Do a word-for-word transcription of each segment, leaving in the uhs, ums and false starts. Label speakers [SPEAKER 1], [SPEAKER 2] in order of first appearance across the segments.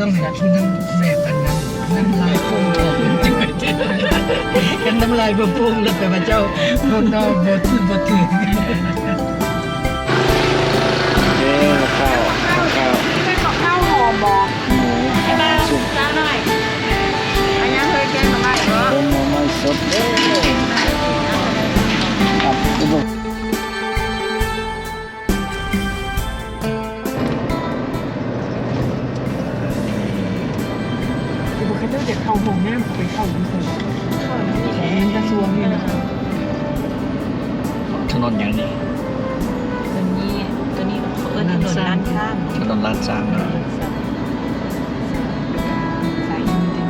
[SPEAKER 1] ต้องให้น้ำแบบอันนั้นน้ำลายพุ่งออกมันจืดกันน้ำลายบ่พุ่งแล้วแต่ว่าเจ้าข้างนอกบ่ถือบ่ถือ
[SPEAKER 2] เอ้ข้าวข้าว
[SPEAKER 3] เป็นกับข้าวหอมบอก
[SPEAKER 2] หมู
[SPEAKER 3] ไอ้บ้าจ้าหน่อยอันนี้เคยแกงมาบ้างเหรอ
[SPEAKER 2] เป็นหมูไม่สดเด้อครับอุบล
[SPEAKER 3] คือบุคคลเด็กเข้าห้องน้ำไปเข้าอยู่เฉยมันกระทรวงนี่นะ
[SPEAKER 2] ถนนอย่างนี้
[SPEAKER 4] ตัวนี้ตัวนี้เขาเอิ้นถนนด้านข้าง
[SPEAKER 2] ถนนลาดซางนะ
[SPEAKER 3] ใส่จริง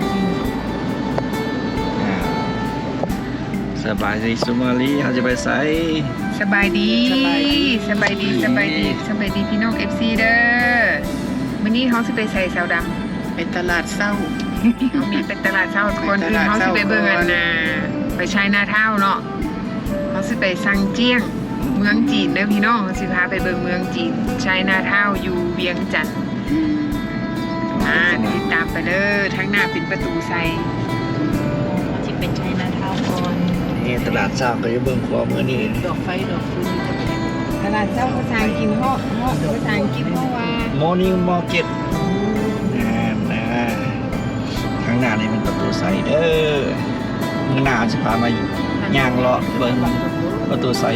[SPEAKER 2] อ่าสบายดีสุมาลีเขาจะไปใส่
[SPEAKER 5] สบายดีสบายดีสบายดีสบายดีสบายดีพี่น้อง เอฟ ซี เด้อวันนี้เขาสิไปใส่เสาดำ
[SPEAKER 1] ไปตลาดเศร้า
[SPEAKER 5] เขามีเป็นตลาดเช้าทุกคนคือเขาสิไปเบิ่งอันน่ะไปใช้นาเท่าเนาะเขาสิไปซังเจี้ยงเมืองจีนเด้อพี่น้องเขาสิพาไปเบิ่งเมืองจีนใช้นาเท่าอยู่เวียงจันทน์อ่าติดตามไปเด้อทั้งหน้าเป็นประตูใส่
[SPEAKER 4] เขาจะเป็นใช้นาเท้าก่อน
[SPEAKER 2] นี่ตลาดซางก็จะเบิ่งขวามือนี่
[SPEAKER 4] ดอกไฟดอกฟืนจะเป็น
[SPEAKER 5] ตลาดเช้าภาษาอังกฤษเฮาเฮาภาษาอังกฤษเฮาว่า
[SPEAKER 2] Morning Market นะนะข้างหน้านี่เป็นประตูใสเด้อข้างหน้าจะพามาย่างเลาะเบิ่งประตูใส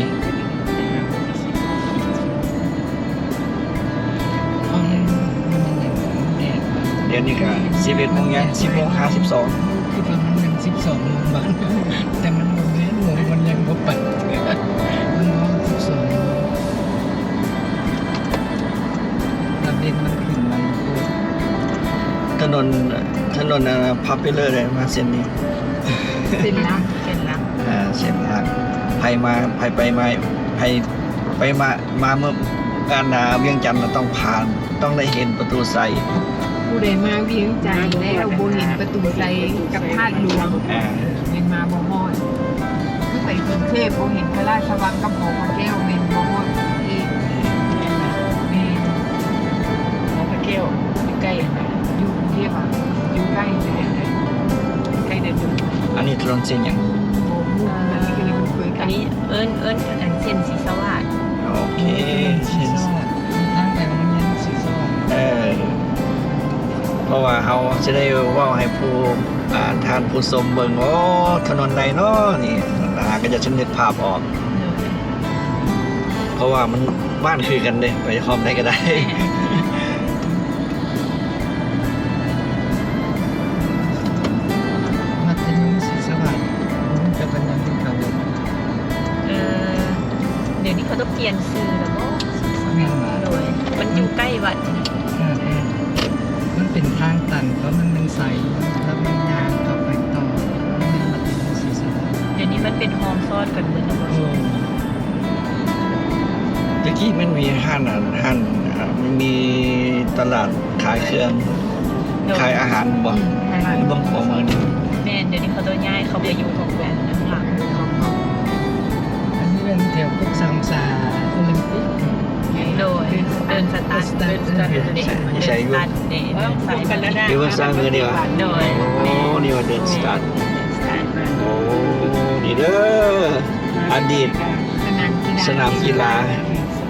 [SPEAKER 2] เดี๋ยวนี้ก็สิบเอ็ดโมงยังสิบโมงห้าสิบสอง
[SPEAKER 1] คือประมาณนั้นสิบสองโมงบาทแต่มันโมงนี้โมงมันยังบ่ปัดมันร้อนสิบสองระเด็นมันขึ้นมันโคตร
[SPEAKER 2] ถนนถนนพับไปเลยเลยมาเส้นนี้
[SPEAKER 5] เป็นลัก
[SPEAKER 4] เป็นลัก
[SPEAKER 2] อ่าเส้นหลักไผมาไผไปมาไผไปมามาเมื่อการนาเวียงจันทร์เราต้องผ่านต้องได้เห็นประตูใส
[SPEAKER 5] ผู้ใดมาเวียงจันทน์แล้วบ่เห็นประตูใส่กับธาตุหลวง
[SPEAKER 2] อ่า
[SPEAKER 5] เมนมาบ่ฮอดคือไปกรุงเทพบ่เห็นพระราชวังกับหอพระแก้วเมนบ่ฮอดอีกแม่น
[SPEAKER 4] หอพระแก้วอยู่ใกล้นะ
[SPEAKER 5] อยู่กรุงเทพอ่ะอยู่ใกล้เลยใกล้เดินอยู่
[SPEAKER 2] อันนี้ถนนเส้นอย่าง
[SPEAKER 5] โอ้โหอันนี้ก็เลยบ่เคย
[SPEAKER 4] อั
[SPEAKER 5] กัน น
[SPEAKER 4] นี้เอิ้นเอิ้นอันเส้นสีสวัสดิ์
[SPEAKER 2] โอเค
[SPEAKER 1] สี
[SPEAKER 2] เส้น
[SPEAKER 1] ส้มทางไปโรงเรียนสีส้ม
[SPEAKER 2] เออเพราะว่าเขาจะได้เว่าให้ผู้อ่านทานผู้ชมเบิ่งโอ้ถนนใดเนาะนี่นะก็จะชนึกภาพออก เพราะว่ามันบ้านคือกันเด้ไปพร้อมได้ก็ได้
[SPEAKER 1] มัธยมศรีสวัสดิ์ผมจะเป็นยังที่เขา
[SPEAKER 4] เออเดี๋ยวนี้เขาต้องเปลี่ยนชื่อแล้วก็
[SPEAKER 1] แม่นมา
[SPEAKER 4] โดยมันอยู่ใกล้วัดนี่
[SPEAKER 1] อ่าๆมันเป็นทางตันเพราะมันเป็นใสแล้วมันยางต่อไปต่อมันเป็นมัธยมศรีสวัสดิ์
[SPEAKER 4] เดี๋ยวนี้มันเป็นโฮมซอดกันเหมือนกันหมด
[SPEAKER 1] โอ้
[SPEAKER 2] ตะกี้มันมีห้านอ่ะห้านอ่ามันมีตลาดขายเครื่องขายอาหารบ่เบิ่งของมือนี่
[SPEAKER 4] แม่นเดี๋ยวนี้เขาต้องย้ายเขาไปอยู่ของแบรนด์ข้างหลัง
[SPEAKER 1] อันนี้เป็นแถวพวกสามสาโอลิมปิก
[SPEAKER 4] โดยเดินสตาร์ทเดินสตาร์ทเดินเดินสตาร์ทเดินสายกันแล้วนะ
[SPEAKER 2] เดี๋ยวว่าสร้างเงินดีกว่า
[SPEAKER 4] โดย
[SPEAKER 2] โอ้นี่ว่าเดินสตาร์ทโอ้นี่เด้ออดีต
[SPEAKER 5] สนามกีฬา
[SPEAKER 2] สนามกีฬา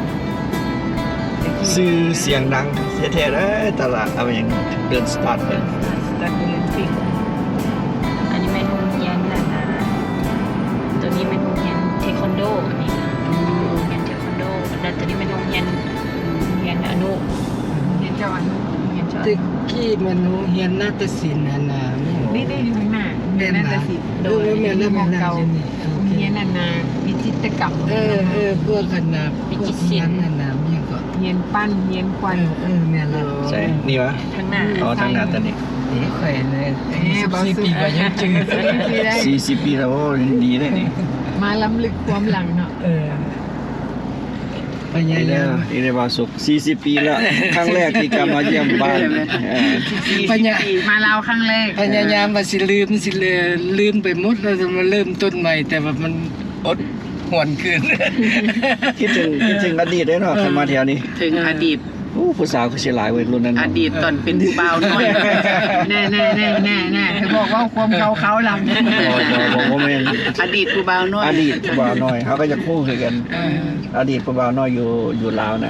[SPEAKER 2] ซื้อเสียงดังแท้ๆเลยตลาดเอาอย่างเดินสตาร์ทเป็น
[SPEAKER 4] สตาร์ทโอลิมปิกอันนี้เป็นโรงเรียนนะนะตัวนี้เป็นโรงเรียนเทควันโดอันนี้นะโรงเรียนเทควันโดแล้วตัวนี้เป็นโรงเรียนโรงเรียนอนุ
[SPEAKER 5] เรียนเจ้าอนุเรียนเจ้า
[SPEAKER 1] ตึกกี้มันโรงเรียนนาฏศิลป์อันน่ะ
[SPEAKER 5] นี่ได้อยู่ข้างหน้าเรียนนาฏศิลป์
[SPEAKER 1] โดยแม่นแล้วแม่นแล้ว
[SPEAKER 5] เก่า
[SPEAKER 1] นี่โอเค
[SPEAKER 5] เรียนนานาวิจิตรกรรม
[SPEAKER 1] เออเออพวกกันนะพวกนั้นน่ะนะมีก็
[SPEAKER 5] เรียนปั้นเรียนค
[SPEAKER 1] เอ
[SPEAKER 5] วัน
[SPEAKER 1] อเออแม่นแล้ว
[SPEAKER 2] ใช่นี่วะ
[SPEAKER 4] ข้างหน้า
[SPEAKER 2] อ๋อทางหน้าตอนนี้
[SPEAKER 1] นี่ข่อยเลยสิบสี่ปีก็ยังจืด
[SPEAKER 2] สี่สิบปีแล้วโอ้ดีเลยนี่
[SPEAKER 5] มาล้ำลึกความหลังเนาะ
[SPEAKER 1] เออพยา
[SPEAKER 2] นี่เด้
[SPEAKER 1] ยา
[SPEAKER 2] อ
[SPEAKER 1] ม
[SPEAKER 2] นี่ได้บาสุกสี่สิบปีแล้วครั้งแรกที่กลับมาเยี่ยมบ้านเออ
[SPEAKER 1] พยา
[SPEAKER 5] มาลาวครั้งแรก
[SPEAKER 1] พยายามว่าสิลืมสิเลยลืมไปหมดแล้วจะมาเริ่มต้นใหม่ แต่ว่ามันอดหวนคืน
[SPEAKER 2] คิดถึงคิดถึงอดีตได้เนาะขึ้นมาแถวนี้
[SPEAKER 5] ถึงอดีต
[SPEAKER 2] โอ้ผู้สาวคือสิหลายเว้ยรุ่นนั้น
[SPEAKER 3] อดีตตอนเป็นบ่าวน้อยแน่แน่แน่แน่แน่เธอบอกว่าความเขาเขาลำ
[SPEAKER 2] โอ้ยบอกว่าแม่น
[SPEAKER 3] อดีตกูบ่าวน้อย
[SPEAKER 2] อดีตผู้บ่าวน้อยเขาก็จะคู่คือกัน อดีตผู้บ่าวน้อยอยู่อยู่ลาวนะ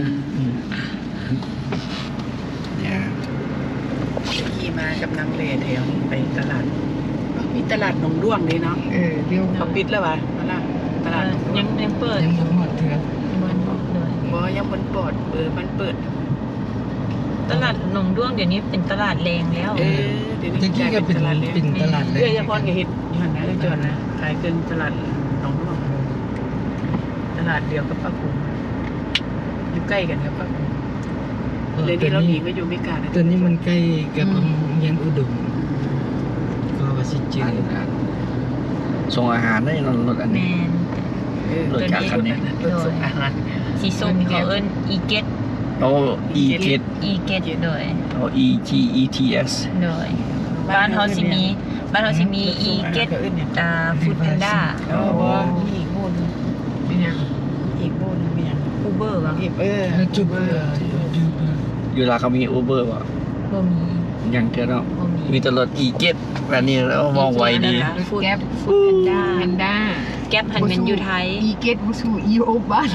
[SPEAKER 2] เนี่ย
[SPEAKER 3] ขี่มากับนางเลแถวไปตลาดมีตลาดหนองด้วงเลยเนาะเออเดี๋ยวเขาปิดแล้ววะนั่นล่ะตลาด
[SPEAKER 4] ยังยังเปิด
[SPEAKER 1] ยังบ่หมดเถื่อ
[SPEAKER 4] มันเลย
[SPEAKER 3] บ่ยังบนปอดเออมันเปิด
[SPEAKER 4] ตลาดหนองด้วงเดี๋ยวนี้เป็นตลาดแรงแล้ว
[SPEAKER 3] เออเดี๋ยวนี้
[SPEAKER 1] ตะกี้ก็เป็น
[SPEAKER 3] ตลาดเลย
[SPEAKER 1] เป็นตลาดเล
[SPEAKER 3] เอ้ยยาพรก็เฮ็ดอยู่หั่นนะเอ้ยจอนนะขายเกินตลาดหนองด้วงตลาดเดียวกับป้ากุ้งอยู่ใกล้กันกับป้ากุ้งเลยนี่เราหนีก็อยู่ไม่กาด
[SPEAKER 1] ตัวนี้มันใกล้กับโรงเรียนอุดมก็ว่าสิจืด
[SPEAKER 2] ส่งอาหารได้รถอัน
[SPEAKER 4] แม
[SPEAKER 2] นี้
[SPEAKER 4] น
[SPEAKER 3] เออ
[SPEAKER 2] รถจักรคันนี้
[SPEAKER 3] รถส่งอาหาร
[SPEAKER 4] สีส้มเขาเอิ้นอีเกต
[SPEAKER 2] โอ้ E T
[SPEAKER 4] อีเกตโดย
[SPEAKER 2] โอ้ E G E T S
[SPEAKER 4] โดยบ้านเฮาสิมีบ้านเฮาสิมีอีเกตอ่าฟู้ดแพนด้า
[SPEAKER 3] เออบ่มีอีกโมนึงเป็นยังอีกโมนึงเป็นยัง
[SPEAKER 4] อูเบอร์บ่
[SPEAKER 3] อีกเออ
[SPEAKER 1] แล้วจุบเบอร์จุบเบอร์
[SPEAKER 2] อยู่ลาวเขามี Uber ป่ะ
[SPEAKER 4] บ่มี
[SPEAKER 2] ยังเจอเนาะ
[SPEAKER 4] บ่มี
[SPEAKER 2] มีแต่รถ E เจ็ดแบบนี้แล้วมองไวดี
[SPEAKER 4] ฟู้ดฟู้ดแพนด้า
[SPEAKER 5] แพนด้า
[SPEAKER 4] แก๊ปหันเป็นอยู่ไทย
[SPEAKER 5] อีเกตบุสูอีโอบ้าน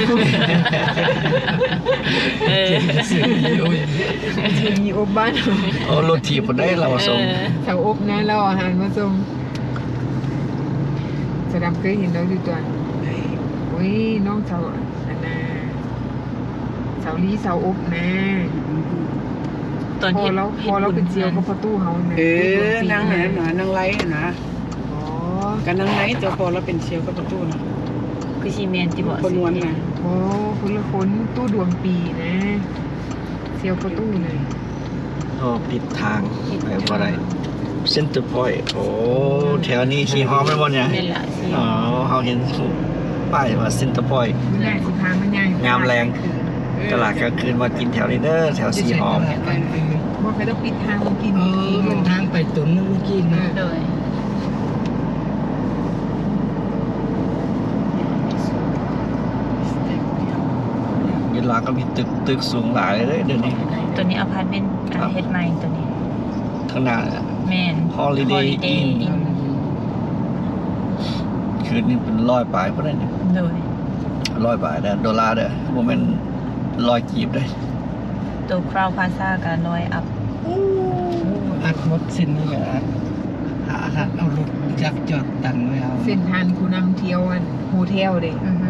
[SPEAKER 4] เออ
[SPEAKER 1] ซื้อโอ้ย
[SPEAKER 5] อีโอบ้าน
[SPEAKER 2] โอ้รถถีบคนได้เราส่ง
[SPEAKER 5] เสาอบนะเราอาหารมาส่งสะดำเคยเห็นเราอยู่ตัวโอ้ยน้องเสาอันนาเสาลีเสาอบนะ
[SPEAKER 4] ตอน
[SPEAKER 5] พอ
[SPEAKER 4] ที่
[SPEAKER 5] เราพอเราเป็นเจียวก็ประตูเฮานะ
[SPEAKER 3] เออนางไหนหนานางไล่นะ
[SPEAKER 5] อ๋อ
[SPEAKER 3] กันนางไหนตัวพอเราเป็นเชียวกับประตูนะ
[SPEAKER 4] คือซีเมนที่บอก
[SPEAKER 3] คนนวลนะ
[SPEAKER 5] โอ้คนละคนตู้ดวงปีนะเซียวประตูเลย
[SPEAKER 2] โอ้ผิดทางไปว่าไรเซ็นเตอร์พอยต์โอ้แถวนี้สีหอมไม่หมดเนี่ย
[SPEAKER 4] เป็นละสิ
[SPEAKER 2] อ๋อเขาเห็นป้ายว่าเซ็นเตอร์พอยต์
[SPEAKER 5] มันได้สิพามันใหญ่
[SPEAKER 2] งามแรงตลาดกลางคืนมากินแถวนี้เด้อแถวสีหอม
[SPEAKER 5] ว่าใครต้องปิดทางมันกิน
[SPEAKER 1] เออมันทางไปตุนนั่นเมื่อกี้นะ
[SPEAKER 4] โดย
[SPEAKER 2] เวลาก็มีตึกตึกสูงหลายเลยเดี๋ยวนี้
[SPEAKER 4] ตัวนี้อพาร์ตเมนต์อ่าเฮ็ดใหม่ตัวนี้
[SPEAKER 2] ข้างหน้า
[SPEAKER 4] แม่น
[SPEAKER 2] Holiday
[SPEAKER 4] Holiday
[SPEAKER 2] Inn
[SPEAKER 4] Inn
[SPEAKER 2] คืนนี้เป็นร้อยปลายเพราะนั่นเนี่ย
[SPEAKER 4] โดย
[SPEAKER 2] ร้อยปลายเด้อดอลลาร์เด้อโมเมนต์ร้อยกีบเลย
[SPEAKER 4] ตัวคราวพาซ่ากับลอยอัพ
[SPEAKER 1] อัดหมดสิ้นนี่ก็อัดหาหัดเอารถจักรจอดตันไว้เอา
[SPEAKER 5] เส้นทางผู้นำเที่ยวอันโฮเทลเด้
[SPEAKER 4] อือฮึ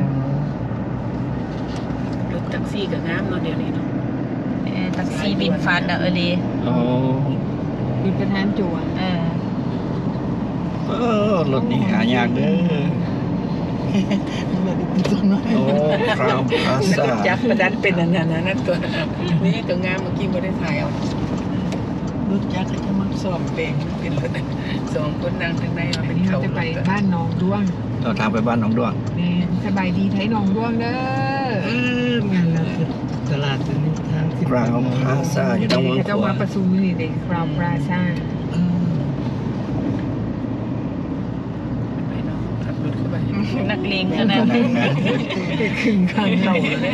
[SPEAKER 3] รถแท็กซี่กับน้ำเนาะเดี๋ยวนี้เนาะ
[SPEAKER 4] เอ่อแท็กซี่บินฟาสต์อะเออเลย
[SPEAKER 2] โอ้
[SPEAKER 5] คือประธานจั่ว
[SPEAKER 4] เออ
[SPEAKER 2] เออรถนี่หายากเด้อโอ้คราวพาซ่า
[SPEAKER 3] จักประดันเป็นอันนั้นนั่นตัวนี่ตัวงามเมื่อกี้ไม่ได้ถ่ายเอารถจักรเขาจะมาสอบเปลงเป็นรถสองคนนั่งข้างในมา
[SPEAKER 5] อั
[SPEAKER 3] เป็น น
[SPEAKER 5] นี้
[SPEAKER 3] เขา
[SPEAKER 5] เราจะไปบ้านหนองด้วง
[SPEAKER 2] เราทางไปบ้านหนองด้วง
[SPEAKER 5] แม่สบายดีไทยหนองด้วงเด้อ
[SPEAKER 1] เอองานแล้วตลาดตัวนี้ทางสิบ
[SPEAKER 2] คราวพาซ่าอยู่ตรงเมือง
[SPEAKER 5] เจ้า
[SPEAKER 2] ขวา
[SPEAKER 5] มาประชุมนี่เด็กคราวปราซ่า
[SPEAKER 1] เออ
[SPEAKER 3] ไปเนาะขับรถเข้าไป
[SPEAKER 4] นักเลงขนาดนั้น
[SPEAKER 3] ขึ้นข้างเขาเลย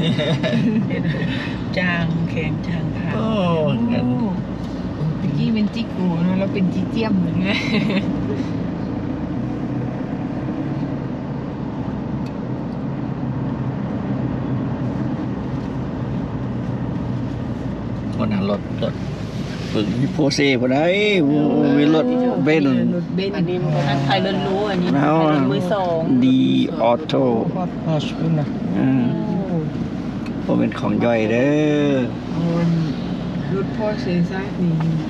[SPEAKER 3] จางแข็งจางขา
[SPEAKER 2] โอ้งั้น
[SPEAKER 5] ตะกี้เป็นจิกกูนะแล้วเป็นจิเจียมเหมือนกัน
[SPEAKER 2] คนนั้นรถรถฝึกมีโพเซ่คนไหนโอ้มีรถเบนซ์
[SPEAKER 5] รถเบนซ์
[SPEAKER 3] อันนี้มัน
[SPEAKER 4] อันไทยล้วนรู้อันนี้
[SPEAKER 2] แล้ว
[SPEAKER 4] ไทยล้วนมือสอง
[SPEAKER 2] ดีออโต้
[SPEAKER 1] พอดพอชพุ่นนะ
[SPEAKER 2] อืมผมเป็นของย่อยเด้อ
[SPEAKER 5] มันรถพ่อเซซ่านี่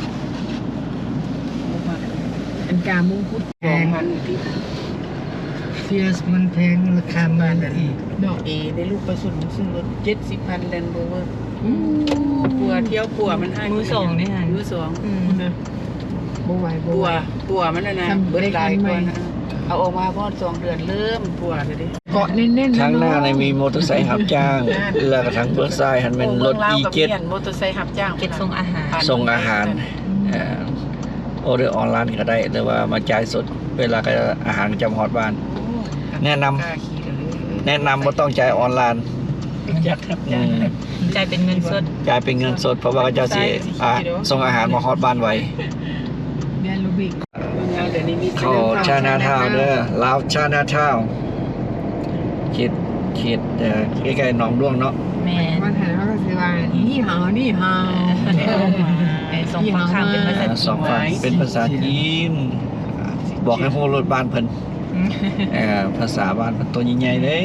[SPEAKER 5] อันกามุ่งพุทธ
[SPEAKER 3] ส
[SPEAKER 5] แพ
[SPEAKER 3] อง
[SPEAKER 5] ง
[SPEAKER 3] พันที่
[SPEAKER 1] เฟียสมันแพงราคามันอีก
[SPEAKER 3] ดอกเอได้ลูกประสุนซึ่งรถเจ็ดสิบพันแลนด์โรเวอร์ปัวเที่ยวปัวมันให้
[SPEAKER 4] มือสองนี่ฮะ
[SPEAKER 3] มือสอง
[SPEAKER 4] อืม
[SPEAKER 5] นะบ่ไหวบ่
[SPEAKER 3] ปั
[SPEAKER 5] ไห
[SPEAKER 3] ว
[SPEAKER 5] ว
[SPEAKER 3] ปัวมันนะนะ
[SPEAKER 5] ทำ
[SPEAKER 3] เบิดหลาย
[SPEAKER 5] ได้
[SPEAKER 3] ก
[SPEAKER 5] คั
[SPEAKER 3] ว่าน
[SPEAKER 5] ใหม่
[SPEAKER 3] นะเอาออกมาพอดสองเดือนเริ่มปัวเลยดิ
[SPEAKER 5] เกาะแน่นๆ
[SPEAKER 2] ข้างหน้าใน
[SPEAKER 5] เะ
[SPEAKER 2] มีมอเตอร์ไซค์รับจ้าง แล้วก็ทางเบื้องซ้ายหันเป็นรถ
[SPEAKER 3] โ
[SPEAKER 2] อีเจ็ด
[SPEAKER 3] มืงลาวกับมียนมอเตอร์ไซค์รับจ้าง
[SPEAKER 4] เก็ตส่งอาหาร
[SPEAKER 2] ส่งอาหารเอ่อออเดอร์ออนไลน์ก็ได้หรือว่ามาจ่ายสดเวลาก็อาหารจำฮอดบ้าน
[SPEAKER 3] โอ้
[SPEAKER 2] แนะนำ
[SPEAKER 3] กล้าขี่เลย
[SPEAKER 2] แนะนำว่าต้องจ่ายออนไลน์
[SPEAKER 3] จักครับ
[SPEAKER 2] อืม
[SPEAKER 4] จ่ายเป็นเงินสด
[SPEAKER 2] จ่ายเป็นเงินสดเพราะว่าเขาเจ้าสิอ่ะส่งอาหารมาฮอดบ้านไว้
[SPEAKER 5] เรียนรูบิก
[SPEAKER 3] เดี๋ยวนี้มี
[SPEAKER 2] เข้าชานาทาวน์เด้อลาวชานาทาวน์เขตเขตเอ่อใกล้ๆหนองด้วงเนาะ
[SPEAKER 4] แม่น
[SPEAKER 5] วันไหนเขาก็สิว่านี่หาวนี่หาว
[SPEAKER 4] ไอ้สองฝั่งข้างเป็นภาษา
[SPEAKER 2] อ่า
[SPEAKER 4] จี
[SPEAKER 2] สอง
[SPEAKER 4] น
[SPEAKER 2] ฝั่งเป็นภาษาจีนบอกให้ฮู้รถบ้านเพิ่นเอ่อภาษาบ้านเพิ่นตัวใหญ่ๆเด้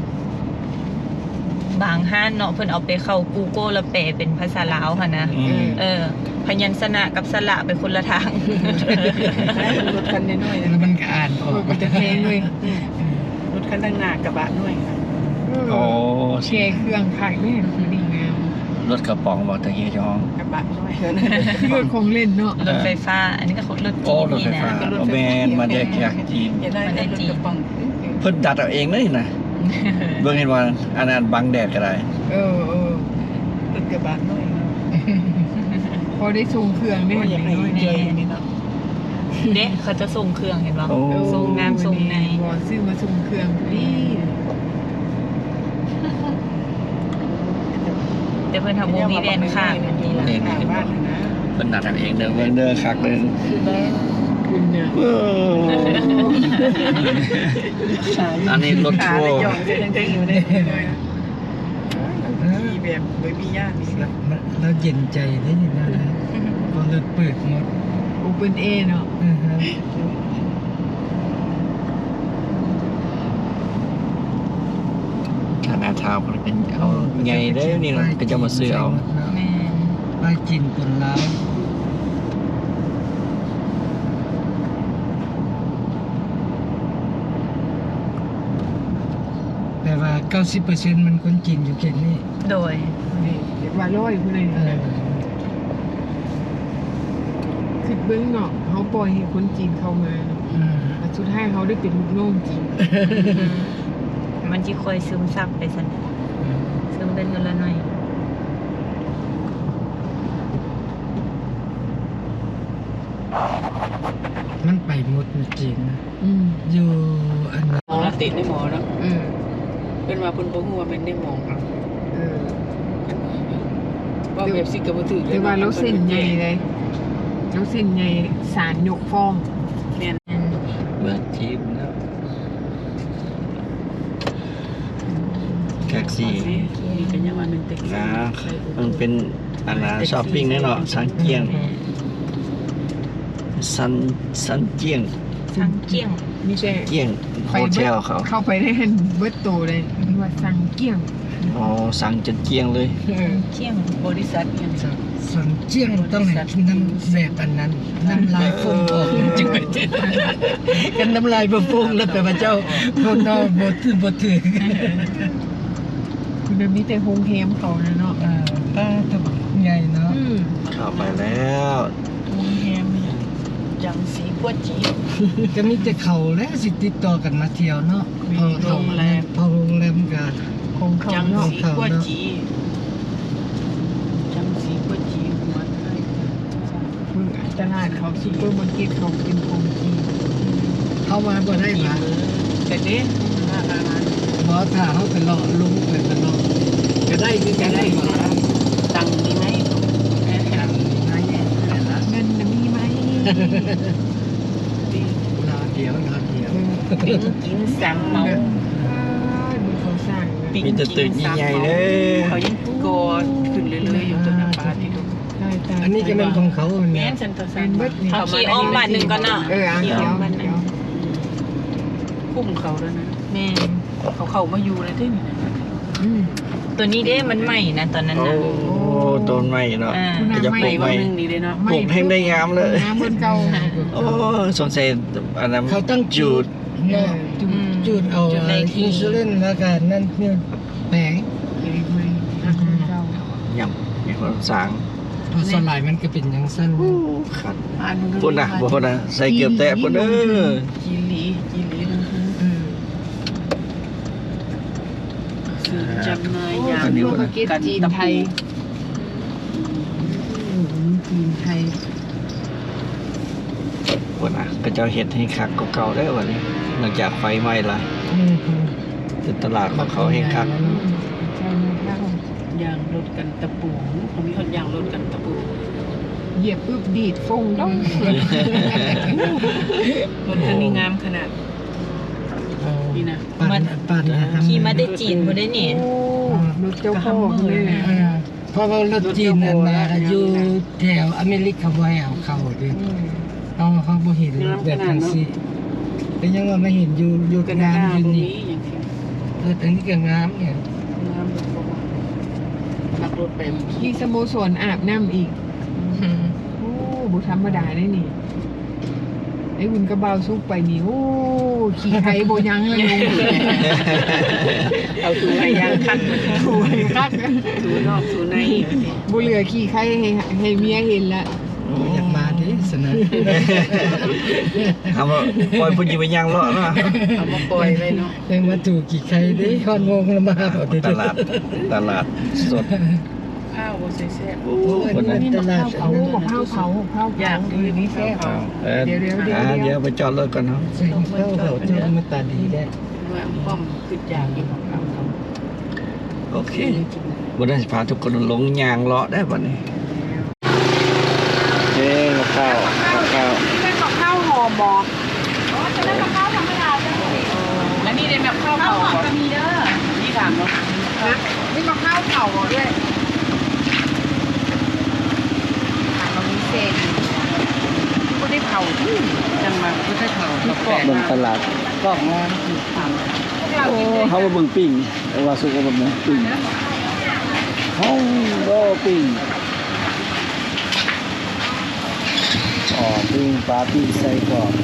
[SPEAKER 4] บางห้านเนาะเพิ่นเอาไปเข้า Google แล้วแปลเป็นภาษาลาวค่ะนะ
[SPEAKER 2] อืม
[SPEAKER 4] เออ พยัญชนะกับสระไปคนละทาง
[SPEAKER 3] รถคันน้อยๆ
[SPEAKER 1] แล้วมันก็อ่านออก
[SPEAKER 5] มันจะเพลงเลย
[SPEAKER 3] รถคันด้านหน้ากระบะน้อย
[SPEAKER 2] โอ้
[SPEAKER 5] เชเครื่องขายแม่ดีงาม
[SPEAKER 2] รถกระป๋องบอกตะกี้เจ้าของ
[SPEAKER 3] กระบะน้อย
[SPEAKER 5] รถคงเล่นเนาะ
[SPEAKER 4] รถไฟฟ้า อันนี้ก็รถ
[SPEAKER 2] โอ้
[SPEAKER 4] จีน
[SPEAKER 2] รถ
[SPEAKER 4] นี่
[SPEAKER 2] ไฟ
[SPEAKER 4] นะ
[SPEAKER 2] ฟ้าโอแมนมาได้จากจีน
[SPEAKER 3] อย่าได้รถกระป๋อง
[SPEAKER 2] เพิ่นดัดเอาเองเลยนะเบิ่งเห็นว่าอันนั้นบังแดดก็ได้
[SPEAKER 5] เออเออ
[SPEAKER 3] รถกระบะน้อย
[SPEAKER 5] พอได้ทรงเครื่องได้
[SPEAKER 3] ก็
[SPEAKER 5] เห็
[SPEAKER 3] อน ยาก
[SPEAKER 5] ไหม
[SPEAKER 3] ให้เจออย่างนี้เนาะ
[SPEAKER 4] เด็กเขาจะส่งเครื่องเห็นป่ะ
[SPEAKER 2] โอ้
[SPEAKER 4] ส่งน้ำส่งใน
[SPEAKER 5] บอซื้อมาทรงเครื่องนี่
[SPEAKER 4] แต่เพิ่นทำวงมีแดนข้างแบบนี้ละ
[SPEAKER 2] นี่
[SPEAKER 3] ข้างบ้านนะ
[SPEAKER 2] เพิ่นดัดเอาเองเด้อเบิ่งเด้อคักเลย
[SPEAKER 5] คุณเนี่ย
[SPEAKER 2] เอออันนี้รถ
[SPEAKER 3] ขา
[SPEAKER 2] ทัว
[SPEAKER 3] เลย
[SPEAKER 2] ร์
[SPEAKER 3] ย่องจะยังๆอยู่เลยมีแบบไม่มีญาติมี
[SPEAKER 1] แล้วแล้วเย็นใจได้ยินนะพอรถเปิดหมด
[SPEAKER 5] โอเปนเอเนาะ
[SPEAKER 1] อือฮะ
[SPEAKER 2] ชานาทาวน์เพิ่นเป็นเอาใหญ่เด้อนี่เนาะก็จะมาซื้อเอา
[SPEAKER 4] แม่น
[SPEAKER 1] ป้ายจีนคนร้ายแต่ว่า เก้าสิบเปอร์เซ็นต์ มันคนจีนอยู่เขตนี้
[SPEAKER 4] โดย
[SPEAKER 5] นี่เด็กว่าร้อยผู้ใด
[SPEAKER 1] เออ
[SPEAKER 5] คือเบื้องเนาะเขาปล่อยให้คนจีนเข้ามาเนาะ
[SPEAKER 1] อืม
[SPEAKER 5] แต่สุดท้ายเขาได้เป็นลูกน้องจีน
[SPEAKER 4] มันจะคอยซึมซับไปสันซึมเป็นเงินละหน่อย
[SPEAKER 1] มันไปหมดในจีนนะ
[SPEAKER 5] อืม
[SPEAKER 1] อยู่อันนั้น
[SPEAKER 3] หมอติดในหมอเนาะ
[SPEAKER 5] เออ
[SPEAKER 3] เป็นว่าเพิ่นบ่ฮู้ว่าเป็นในหมอ
[SPEAKER 5] เออ
[SPEAKER 3] ว่าแบบสิก็บ่ถือ
[SPEAKER 5] แต่ว่าเราเส้นใหญ่เลยเราเส้นใหญ่สารยกฟ้อง
[SPEAKER 3] แม่น
[SPEAKER 2] เบิดทีมแล้วแท็กซี่
[SPEAKER 3] มีเป็นยังว่าเป็นแท็กซี่
[SPEAKER 2] นะมันเป็นอันนะช้อปปิ้งแน่เนาะสันเจียงสันสันเจียง
[SPEAKER 4] ทางเกี้ยง
[SPEAKER 5] มีแต่
[SPEAKER 2] เจียงโฮเทลเขา
[SPEAKER 5] เข้าไปได้เห็นเบิดโตเลยนี่ว่าสั่งเกี้ยง
[SPEAKER 2] อ๋อสั่งจนเจียงเลย
[SPEAKER 5] เออ
[SPEAKER 4] เกี้ยง
[SPEAKER 3] บริษัทเนี่ย
[SPEAKER 1] สันสันเจียงต้องให้น้ำแบบอันนั้นน้ำลายฟุ้งออกจึงไปเจ็ดกันน้ำลายบ่ฟุ้งแล้วแต่ว่าเจ้าพวกนอกบ่ถือบ่ถือ
[SPEAKER 5] คุณมีแต่โฮงแฮมเขานะเนาะ
[SPEAKER 1] อ่าป้าตัวใหญ่เนาะ
[SPEAKER 5] อืม
[SPEAKER 2] เข้าไปแล้ว
[SPEAKER 3] โรงแรมเนี่ยจังสีกัวจี
[SPEAKER 1] ก็มีแต่เขาและสิติดต่อกันมาเที่ยวเนาะพอเขาพอโรงแรมก็
[SPEAKER 5] ของเขา
[SPEAKER 3] จัง
[SPEAKER 5] เนาะ
[SPEAKER 3] สีกัวจีจังสีกัวจีหัวไทย
[SPEAKER 5] มึงตลาดเขาซุปเปอร์มาร์เก็ตเขาเป็นของจีน
[SPEAKER 1] เข้ามาบ่ได้มา
[SPEAKER 3] แต่เด้หน้าร้าน
[SPEAKER 1] บ่ถ้าเขาไปเลาะลุงไปตลอดก็ได้คือกันได้บ่ล่ะ
[SPEAKER 3] ตังนี่ไหม
[SPEAKER 1] อันนี้นะแย่นั่นล่ะ
[SPEAKER 5] เงินน่ะมีไหม
[SPEAKER 3] ดี
[SPEAKER 1] รอเดียวรอเดียว
[SPEAKER 3] ปิ้งกินสังเมา
[SPEAKER 5] ดูเขาสร้างนะ
[SPEAKER 3] ปิ้ง
[SPEAKER 2] มีแต่ตึกใหญ่ๆเด้อ
[SPEAKER 3] เขายังกอดขึ้นเรื่อยๆอยู่ตัวน้ำปลาที่ดู
[SPEAKER 5] ได้ตาย
[SPEAKER 1] อันนี้ก็เป็นของเขา
[SPEAKER 3] แม่
[SPEAKER 1] เนี่ย
[SPEAKER 3] นเซ็นเตอร์ซั
[SPEAKER 5] เป็น นเบิดนี่
[SPEAKER 4] เอาขี่อ้อมบ้านหนึ่งก่อนเนาะ
[SPEAKER 5] เอออ่ะ
[SPEAKER 4] ขี่
[SPEAKER 5] เดี๋
[SPEAKER 4] อ้
[SPEAKER 5] ย
[SPEAKER 4] อ
[SPEAKER 5] ว
[SPEAKER 4] มบ้านหนึ่ง
[SPEAKER 5] เดี๋ยว
[SPEAKER 3] คุ้มเขาแล้วนะ
[SPEAKER 4] แม่น
[SPEAKER 3] เขาเข้ามาอยู่เลยที่นี่นะ
[SPEAKER 5] อืม
[SPEAKER 4] ตัวนี้เด้มันใหม่นะตอนนั้น
[SPEAKER 2] โอ้
[SPEAKER 4] นะ
[SPEAKER 2] ต้นไม้เนาะ
[SPEAKER 4] อ่า
[SPEAKER 2] ก็จะปลูก
[SPEAKER 3] วั
[SPEAKER 2] ไม้
[SPEAKER 3] นหนึ่งนี่เลยเนาะ
[SPEAKER 2] ปลูกให้ได้งามเลย
[SPEAKER 5] น้ำบนเก่า
[SPEAKER 2] โอ้สงสัยอันนั้น
[SPEAKER 1] เขาตั้งจุดเนาะจุดจุดเอาอินซูลินแล้วก็นั่นเนี่ยแปลง
[SPEAKER 5] อีกไหมน้ำบนเก่า
[SPEAKER 2] ยำมีคนสร้าง
[SPEAKER 1] พอสลายมันก็เป็นอย่างสั้น
[SPEAKER 2] ขัด
[SPEAKER 3] อ่าน
[SPEAKER 2] พุ่นนะบ่พุ่นนะใส่เกือบแตะพุ่นเด้อ
[SPEAKER 3] จีหลีจีหลีนะ
[SPEAKER 5] เออ
[SPEAKER 3] สื่อจำหนายยา
[SPEAKER 5] อั
[SPEAKER 3] ม
[SPEAKER 5] นนี้ว่าเก็ตจีนไทยจีนไทย
[SPEAKER 2] พุ่นนะก็เจ้าเฮ็ดให้คักกว่าเก่าได้อวันนี้หลังจากไฟไหม้ละ
[SPEAKER 1] อืม
[SPEAKER 2] แต่ตลาดของเขาให้คัก
[SPEAKER 5] ใช่ไหม
[SPEAKER 3] ยางรถกันตะปูเขามีคนยางรถกันตะปู
[SPEAKER 5] เหยียบปึ๊บดีดฟงต้อง
[SPEAKER 3] รถคันนี้งามขนาดนี่นะ
[SPEAKER 1] ปั่นปั่นนะครับ
[SPEAKER 4] ขี่มาได้จีนบ่ได้นี่
[SPEAKER 5] โอ้รถเจ้าพ่อเลย
[SPEAKER 1] เออเพราะว่ารถจีนนั่นนะอยู่แถวอเมริกาไว้เอาเข้าดิเอาเขาบ่เห็นแบบจังซี่เป็นยังว่าไม่เห็นอยู่อยู่
[SPEAKER 3] กัน
[SPEAKER 1] งาม
[SPEAKER 3] หน้า
[SPEAKER 1] อยู่
[SPEAKER 3] ตรง
[SPEAKER 1] นี่
[SPEAKER 3] นี้อย่างเงี้ย
[SPEAKER 1] เอออันนี้ก็งามเนี่ย
[SPEAKER 3] งามแบบขับรถไป
[SPEAKER 5] มีสโมสรอาบน้ำอีกโอ้บุธรรมดาได้นี่ไอ้บุญกระเบาซุกไปนี่โอ้ขี่ไข่โบยังเลยลง
[SPEAKER 3] เอาถูให้ยางคัด
[SPEAKER 5] ถูกคัก
[SPEAKER 3] ถูนอกถูใน
[SPEAKER 5] บุเหลือขี่ไข่ให้ให้เมียเห็นละ
[SPEAKER 1] อยากมาดิสนะ
[SPEAKER 2] ทำว่าปล่อยผู้หญิงไปย่างเลาะเนาะ
[SPEAKER 3] เอามาปล่อยไว้เนาะ
[SPEAKER 1] ยังมาถูกกี่ใครดิฮอนงงละมาเอาดิ
[SPEAKER 2] ตลาดตลาดสด
[SPEAKER 3] ข้าวบ่ใส่แซ่บ
[SPEAKER 2] โอ้
[SPEAKER 1] โอ้ย
[SPEAKER 2] คนนั้น
[SPEAKER 1] ตลาด
[SPEAKER 5] เผาบอกข้าวเผาข้าวเผา
[SPEAKER 3] อยากดูนี่แซ่บ
[SPEAKER 2] เออ
[SPEAKER 5] เดี๋ยวเดี๋ยวเดี๋ยว
[SPEAKER 2] อ่าเดี๋ยวไปจอดรถก่อนเนาะ
[SPEAKER 1] ใส่ข้าวเขาเจ้ามาตาดีได้
[SPEAKER 3] ว่าป้อมคืออยากกินของเขาเขา
[SPEAKER 2] โอเควันนี้จะพาทุกคนลงยางเลาะได้ป่ะนี่เอ้กับข้าวกับข้าว
[SPEAKER 5] นี่เป็นกับข้าวห่อบอ
[SPEAKER 3] แล้วนี่เป็นแบบข้าวเผาก็มีเด้อนี่ถามเนาะ
[SPEAKER 5] นะนี่กับข้าวเผาบอด้วยถามเรามีเศษก็ได้เผาที่
[SPEAKER 3] จังมาก็ได้เผาเราแปะ
[SPEAKER 2] เบิ่งตลาด
[SPEAKER 3] กล่องงานคือท
[SPEAKER 2] โอ้เขามาเบิ่งปิ้งเอาว่าสุกกับเบิ่งปิ้งเขาก็ปิ้งอ๋อปิ้งปลาปิ้งใส่กรอบ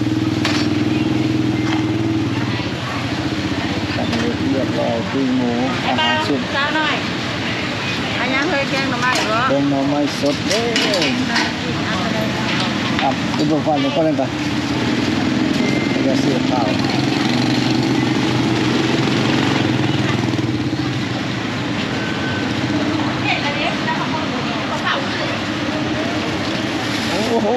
[SPEAKER 2] ตัดเรียบร้อยปิ้งหมูอาหารสุก
[SPEAKER 3] ำจ้าหน่อยอันยังเคยแกงหน่อไม้เหรอ
[SPEAKER 2] เป็นหน่อไม้สดเด้ออ่ะคุณผู้ฟังเลยก็เลยไปจะเสียข้าวโอ้โห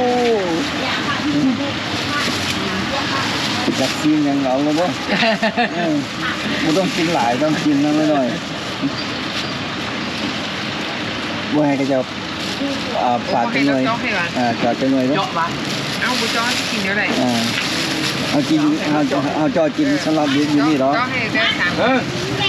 [SPEAKER 2] จักกินยังเอาเลยบ่เออไม่ต้องกินหลายต้องกินน้อยหน่อยบ่ให้ก็จะอ่าปาดเป็นหน่วยอ่าจอดเป็นหน่วยเนาะ
[SPEAKER 3] เจาะปะ
[SPEAKER 5] เอาบุจอนกินเท่าไหร่
[SPEAKER 2] อ่าเอากินเอาเอาจอดกินสำหรับอยู่อยู่นี่เหรอ
[SPEAKER 5] ก็ให้ได้สาม
[SPEAKER 2] เออ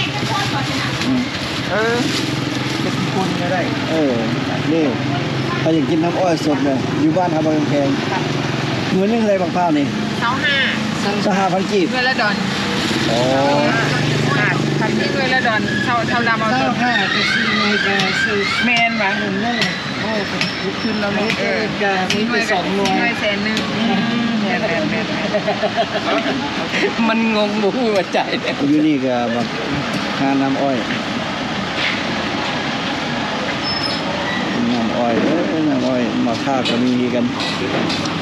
[SPEAKER 2] เออจะกินคนก็ได้ เออ นี่ถ้าอยากกินน้ำอ้อยสดเลยอยู่บ้านทำบางแพงเงินนี่อะไรบางข้าวนี่
[SPEAKER 5] เท้าห้า
[SPEAKER 2] สหพันกีบ
[SPEAKER 5] ด้วยละดอน
[SPEAKER 2] โอ้
[SPEAKER 5] อ่ะทำที่ด้วยละดอนเท่าเท่าดำเอา
[SPEAKER 1] เจ้า
[SPEAKER 5] ตัว
[SPEAKER 1] ห้าก็ซื้อในกาซื้อ
[SPEAKER 3] แมนวะ
[SPEAKER 1] หนึ่งนั่นแหละโอ้ลุกขึ้นแล้วเนาะเออกามีไปสองหน่วย
[SPEAKER 5] หน่วยแสนหนึ่งแสนแสนแสน
[SPEAKER 3] มันงงบุ้หัวใจเนี่ย
[SPEAKER 2] อยู่นี่ก็แบบหาน้ำอ้อยน้ำอ้อยเอ้ยน้ำอ้อยมาค่าก็มีกัน